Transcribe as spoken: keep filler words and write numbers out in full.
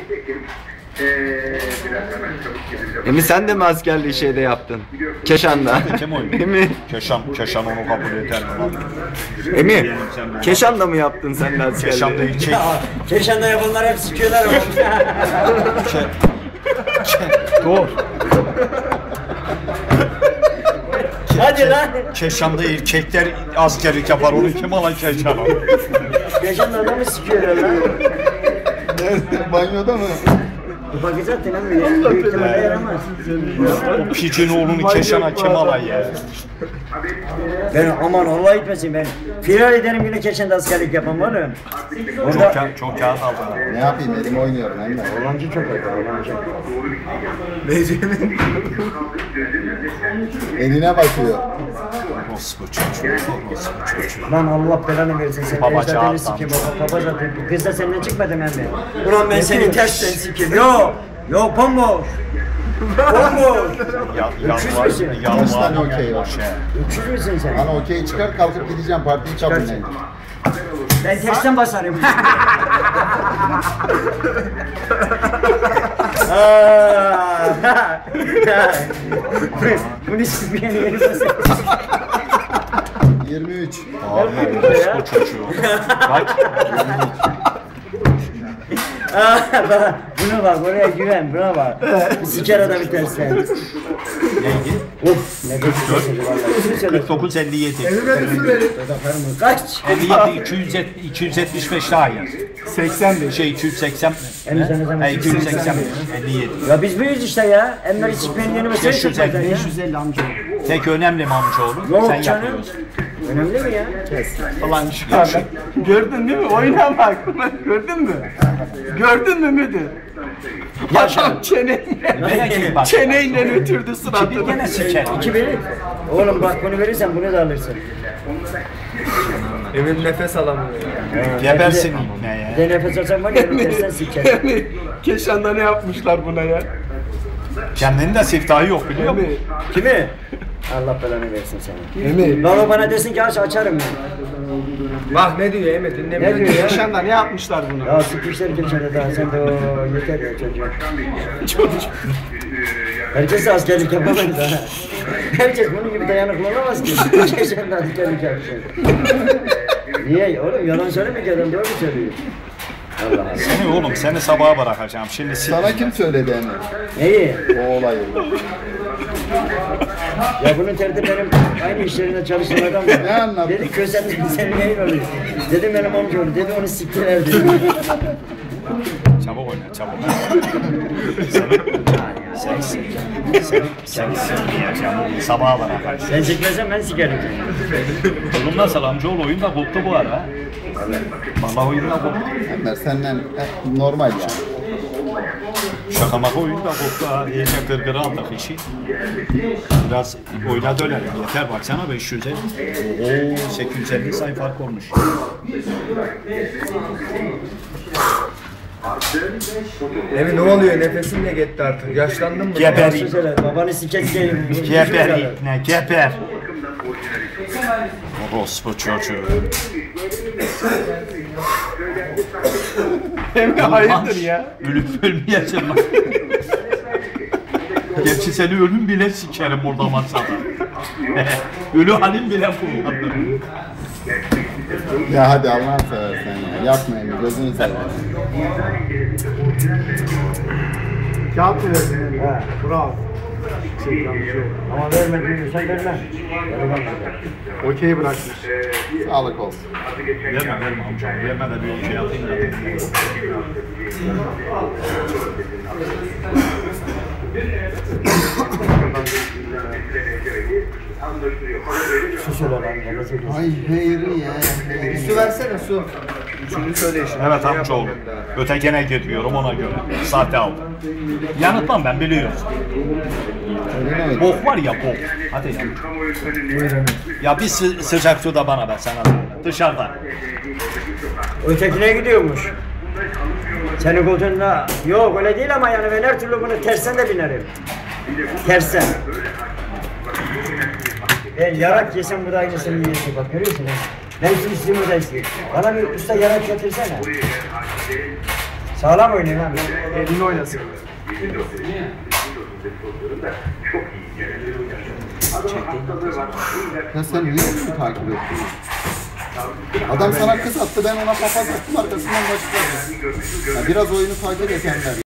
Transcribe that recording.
Emi sen de mi askerliği şeyde yaptın? Keşan'da. Kim oynuyor? Emi. Keşan, Keşan onu kabul eder mi lan? Emi. Keşan'da mı yaptın sen de askerliği? Keşan'da ilçe. Keşan'da yapanlar hep sikiyorlar. Dur. Hadi lan. Keşan'da erkekler askerlik yapar, onu kim alan Keşan'a? Keşan'da adamı sikiyorlar lan. Nerede? Banyoda mı? Bakacak lan ya. Büyük ihtimalle yaramaz. O picin oğlunu Keşan'a kim alan ya? Ben aman Allah etmesin ben. Firar ederim yine Keşan'da askerlik yapan var ya. Çok, Orada ka çok kağıt aldım. Ne yapayım? Elim oynuyorum hem de. Olancı çok öyle, olancı. Eline bakıyor. Orospu çocuğu, orospu çocuğu. Lan Allah belanı versin sen. Baba Ecdadını çağırdı. sikeyim baba. Baba zaten. Kız da seninle çıkmadı ben mi? Ulan ben seni tersten sikeyim. Yo. Yo bomboş. Bomboş. Ya, Öküz yalvar, müsün? Kaç tane yalvar, okey var? boş ya. Öküz müsün sen? Bana okey çıkar kalkıp gideceğim partiyi kabul edeyim. Ben tersten basarım. Bunu sikmeyen yeri basarım. yirmi üç. Abi orospu çocuğu. Kaç? Bana buna bak, oraya güven, buna bak. Siker adamı tersten. Neydi? Uf, ne kötü kırk dokuz elli yedi. Kaç? elli yedi iki yüz iki yüz yetmiş beş daha yaz. seksen beş. Şey iki yüz seksen. Emre sen He iki yüz seksen elli yedi. Ya biz büyüyüz işte ya. Emre'yi sikmeyen yeni mesele beş yüz elli, çıkmadan ya. beş yüz elli amca. Tek önemli mi amcaoğlu? Yok Sen canım. yapıyorsun. Önemli mi ya? Falan çıkardı. Gördün değil mi? Oyuna bak. Gördün mü? Gördün mü müdür? Adam çeneyle, Bak. çeneyle ötürdü Kimi suratını. gene siker. İki verir. Oğlum bak bunu verirsen bunu da alırsın. Emin nefes alamıyor. Gebersin ne Bir ya? de nefes alsam var ya onu tersten siker. Yani Keşan'da ne yapmışlar buna ya? Kendinin de siftahı yok biliyor musun? Emi. Kimi? Allah belanı versin seni. Emi. Baba bana desin ki aç açarım ben. Bak ne diyor Emi dinlemiyor. Ne diyor ya? Keşan'da ne yapmışlar buna? Ya sıkmışlar geçene daha sen de o yeter ya çocuğum. Çocuk. Herkes de askerlik yapamaz da. Herkes bunun gibi dayanıklı olamaz ki. Geçen de askerlik yapacak. Niye? Oğlum yalan söylemiyor ki adam doğru söylüyor. Allah Allah. Seni oğlum seni sabaha bırakacağım. Şimdi sil. Sana kim söyledi Emre? Neyi? O olayı. Ya bunun terdi benim aynı iş yerinde çalıştığım adam var. Ne anlattın? Dedi köşeden senin neyin oluyor? Dedim benim amcaoğlu. Dedi onu siktiler dedi. Çabuk oyna çabuk. Sen sensin. Sen sensin diyeceğim. Sabaha bırakacağım. Sen sikmezsen ben sikerim. Oğlum nasıl amcaoğlu oyun da koptu bu ara. Vallahi oyun da koptu. Emre senden e, normal ya. Şaka maka oyun da koptu ha. İyice gırgırı aldık işi. Biraz oyuna dönelim. Yeter baksana beş yüz elli. Ooo sekiz yüz elli sayı fark olmuş. Emi ne oluyor? Nefesin de gitti artık. Yaşlandın mı? Geber. Söyle babanı sikeceğim. Geber ipne geber. Orospu çocuğu. Emi hayırdır ya? Ölüp ölmeyeceğim lan. Gerçi seni ölüm bile sikerim orada masada. Ölü halim bile kullandım. Ya hadi Allah'ını seversen ya. Yapma Emre gözünü seversen. Kağıt mı verdin? Ha. Bravo. Ama vermediğini sen verme. Okey bırakmış. Sağlık olsun. Verme verme amcam. Verme de bir şey atayım da. Su söyle lan. Bana söyle. Ay heyri ya. Su versene su. Üçüncü söyleyişim. Evet amcaoğlu. Ötekine gidiyorum ona göre. Sahte aldım. Yanıtmam ben biliyorsun. Öyle mi? Bok var ya bok. Hadi ya. Ya bir sı sıcak su da bana ver sana. Dışarıda. Ötekine gidiyormuş. Senin koltuğunda yok öyle değil ama yani ben her türlü bunu tersten de binerim. Tersten. Ben yarak yesem bu da aynısını yiyorsun bak görüyorsun ha. Ben şimdi istiyorum da istiyorum. Bana bir usta yarak getirsene. Sağlam oynayın abi. Elini oynasın. Ya sen niye onu takip ettin? Adam sana kız attı, ben ona papaz attım, arkasından başladı. Ya biraz oyunu takip et Ender.